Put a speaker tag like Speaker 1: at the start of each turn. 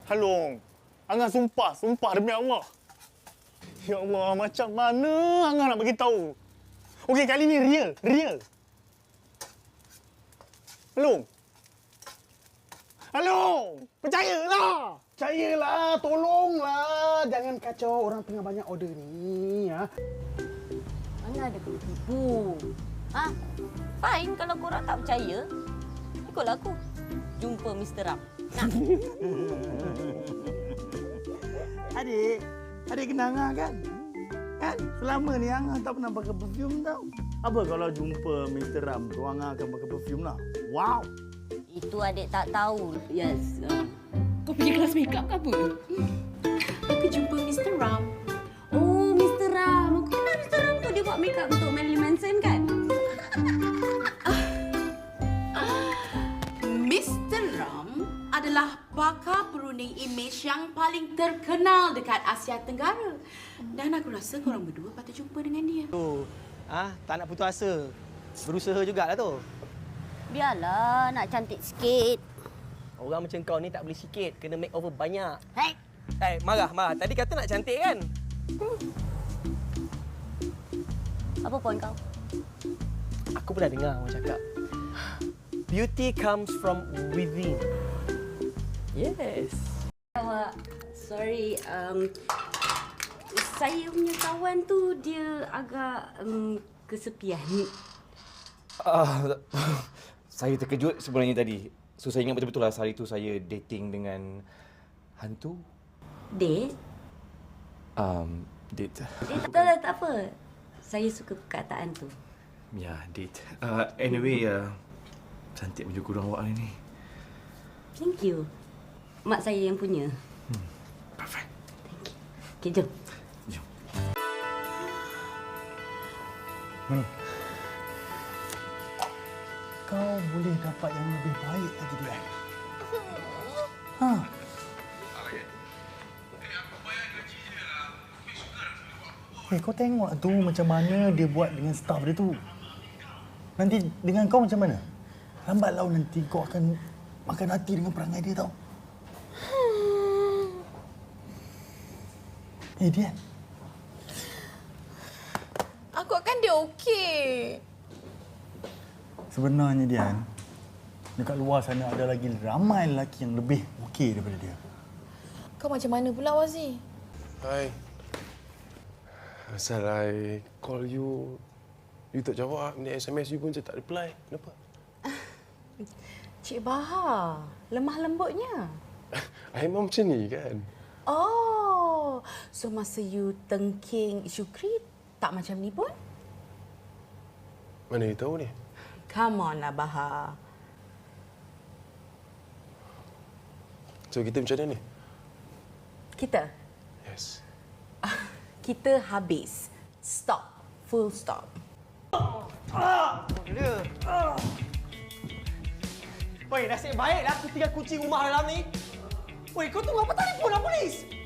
Speaker 1: Halong. Angah sumpah demi Allah. Ya Allah, macam mana Angah nak bagi tahu? Okey, kali ni real. Halong. Percayalah, tolonglah. Jangan kacau, orang tengah banyak order ni, ya.
Speaker 2: Mana ada kena tipu. Fine kalau korang tak percaya. Ikutlah aku. Jumpa Mr. Ram. Nah.
Speaker 1: Adik kenal Angah kan? Kan? Selama ni Angah tak pernah pakai perfume tau. Apa kalau jumpa Mr. Ram tu Angah akan pakai perfume lah? Wow!
Speaker 2: Itu adik tak tahu.
Speaker 3: Yes. Kau pergi kelas makeup ke apa? Aku jumpa Mr. Ram. Oh, Mr. Ram. Aku kenal Mr. Ram tu. Dia buat makeup untuk Marilyn Manson kan? Mr. Ram adalah pakar perunding imej yang paling terkenal dekat Asia Tenggara. Dan aku rasa korang berdua patut jumpa dengan dia.
Speaker 4: Tak nak putus asa. Berusaha jugalah tu.
Speaker 2: Biarlah nak cantik sikit.
Speaker 4: Orang macam kau ni tak boleh sikit. Kena make over banyak.
Speaker 2: Hei!
Speaker 4: Marah. Tadi kata nak cantik kan?
Speaker 2: Apa poin kau?
Speaker 4: Aku pernah dengar orang cakap. Beauty comes from within. Yes.
Speaker 3: Awak, sorry. Saya punya kawan tu dia agak kesepian.
Speaker 5: Saya terkejut sebenarnya tadi. So saya ingat betul-betul lah hari tu saya dating dengan hantu.
Speaker 3: Date?
Speaker 5: Date.
Speaker 3: Tak apa. Saya suka perkataan tu.
Speaker 5: Ya, date. Anyway, cantik baju kurang awak hari ni.
Speaker 3: Thank you. Mak saya yang punya.
Speaker 5: Perfect.
Speaker 3: Thank you. Okay, jom.
Speaker 5: Jom.
Speaker 1: Kau boleh dapat yang lebih baik lagi, Dian. Kau tengok tu macam mana dia buat dengan staff dia tu. Nanti dengan kau macam mana? Lambat laun nanti kau akan makan hati dengan perangai dia tau. Dian.
Speaker 6: Aku akan dia okey.
Speaker 1: Sebenarnya, Dian, dekat luar sana ada lagi ramai lelaki yang lebih okey daripada dia.
Speaker 6: Kau macam mana pula, Wazi?
Speaker 7: Hai. Asal I call you tak jawab. Ni SMS you pun saya tak reply. Kenapa?
Speaker 6: Cik Bahar, lemah lembutnya.
Speaker 7: I memang macam ni kan?
Speaker 6: Oh, so masa you tengking Syukri tak macam ni pun?
Speaker 7: Mana you tahu ni?
Speaker 6: Come on lah, Bahar.
Speaker 7: So kita macam mana ni?
Speaker 6: Kita?
Speaker 7: Yes.
Speaker 6: Kita habis. Stop. Full stop.
Speaker 4: Woi, nasib baiklah aku tinggal kunci rumah dalam ni. Woi, kau tunggu apa telefon lah polis?